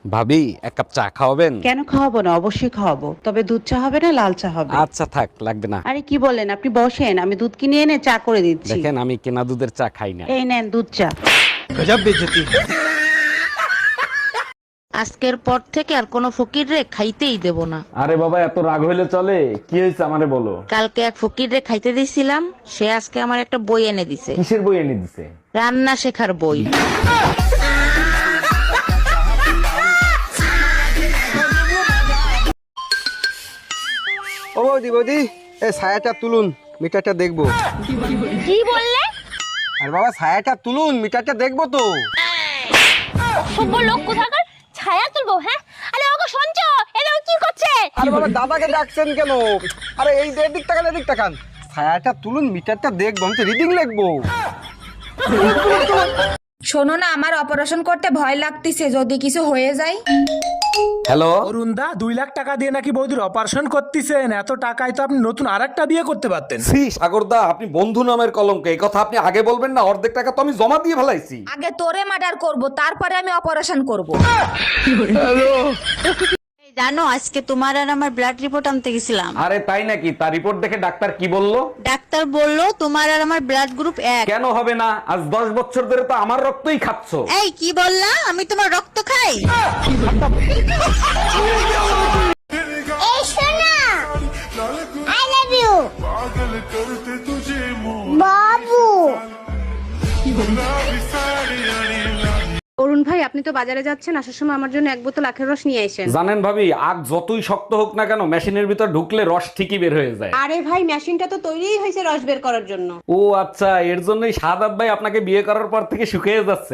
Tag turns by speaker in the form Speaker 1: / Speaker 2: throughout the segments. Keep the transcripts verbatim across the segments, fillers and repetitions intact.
Speaker 1: ভাবি এক কাপ চা খাওয়াবেন?
Speaker 2: কেন খাওয়াবো না, অবশ্যই খাওয়াবো, তবে দুধ চা হবে না লাল চা হবে।
Speaker 1: আচ্ছা থাক, লাগবে না।
Speaker 2: আরে কি বলেন, আপনি বসেন, আমি দুধ কিনে এনে চা করে দিচ্ছি।
Speaker 1: দেখেন আমি কেনা দুধের চা খাই না।
Speaker 2: এই নেন দুধ চা।
Speaker 3: গজব বেইজ্জতি।
Speaker 4: আজকের পর থেকে আর কোনো ফকির রে খাইতেই দেব না।
Speaker 1: আরে বাবা এত রাগ হইলে চলে? কি হয়েছে আমারে বলো।
Speaker 4: কালকে এক ফকির রে খাইতে দিছিলাম, সে আজকে আমার একটা বই এনে দিছে।
Speaker 1: কিসের বই এনে দিছে?
Speaker 4: রান্না শেখার বই।
Speaker 3: ও বৌদি বৌদি, এই ছায়াটা তুলুন, মিটারটা দেখবো।
Speaker 5: কি বললে?
Speaker 3: আর বাবা ছায়াটা তুলুন, মিটারটা দেখবো তো।
Speaker 5: সভ্য লোক কোথাকার, ছায়া তুলবো? হ্যাঁ, আরে ওগো শুনছো, এটা ও কি করছে?
Speaker 3: আরে বাবা দাদাকে ডাকছেন কেন? আরে এই যে এদিক তাকান, এদিক তাকান, ছায়াটা তুলুন, মিটারটা দেখবো, আমি তো রিডিং লিখবো।
Speaker 6: শোনো না, আমার অপারেশন করতে ভয় লাগতেছে, যদি কিছু হয়ে যায়।
Speaker 1: হ্যালো
Speaker 7: অরুণদা, দুই লাখ টাকা দিয়ে নাকি বৌদির অপারেশন করতেছেন? এত টাকায় তো আপনি নতুন আরেকটা বিয়ে করতে পারতেন।
Speaker 1: সি সাগরদা, আপনি বন্ধু নামের কলঙ্ক, এই কথা আপনি আগে বলবেন না। অর্ধেক টাকা তো আমি জমা দিয়ে ফেলাইছি।
Speaker 6: আগে তোরে মার্ডার করব, তারপরে আমি অপারেশন করব।
Speaker 4: জানো আজকে তোমার আর আমার ব্লাড রিপোর্ট আনতে গেছিলাম।
Speaker 1: আরে তাই নাকি? তার রিপোর্ট দেখে ডাক্তার কি বললো?
Speaker 4: ডাক্তার বললো তোমার আর আমার ব্লাড গ্রুপ এক।
Speaker 1: কেন হবে না? আজ দশ বছর ধরে তো আমার রক্তই খাচ্ছ।
Speaker 4: এই কি বললা? আমি তোমার রক্ত খাই?
Speaker 5: এই শোনা, আই লাভ ইউ বাবু।
Speaker 8: অরুণ ভাই, আপনি তো বাজারে যাচ্ছেন, আসার সময় আমার জন্য এক বোতল আখের রস নিয়ে আসেন।
Speaker 1: জানেন ভাবি, আগ যতই শক্ত হোক না কেন, মেশিনের ভিতর ঢুকলে রস ঠিকই বের হয়ে যায়।
Speaker 8: আরে ভাই, মেশিনটা তো তৈরিই হয়েছে রস বের করার জন্য।
Speaker 1: ও আচ্ছা, এর জন্যই শাহাদাত ভাই আপনাকে বিয়ে করার পর থেকে শুকিয়ে যাচ্ছে।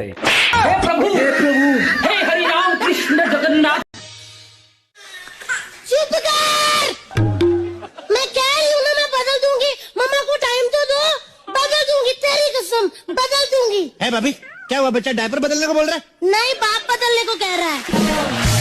Speaker 5: चुप कर, मैं कह रही हूँ ना, मैं बदल दूंगी। मम्मा को टाइम तो दो, बदल दूंगी, तेरी कसम बदल दूंगी।
Speaker 9: है भाभी, क्या हुआ? बच्चा डायपर बदलने को बोल रहा है?
Speaker 5: नहीं, बाप बदलने को कह रहा है।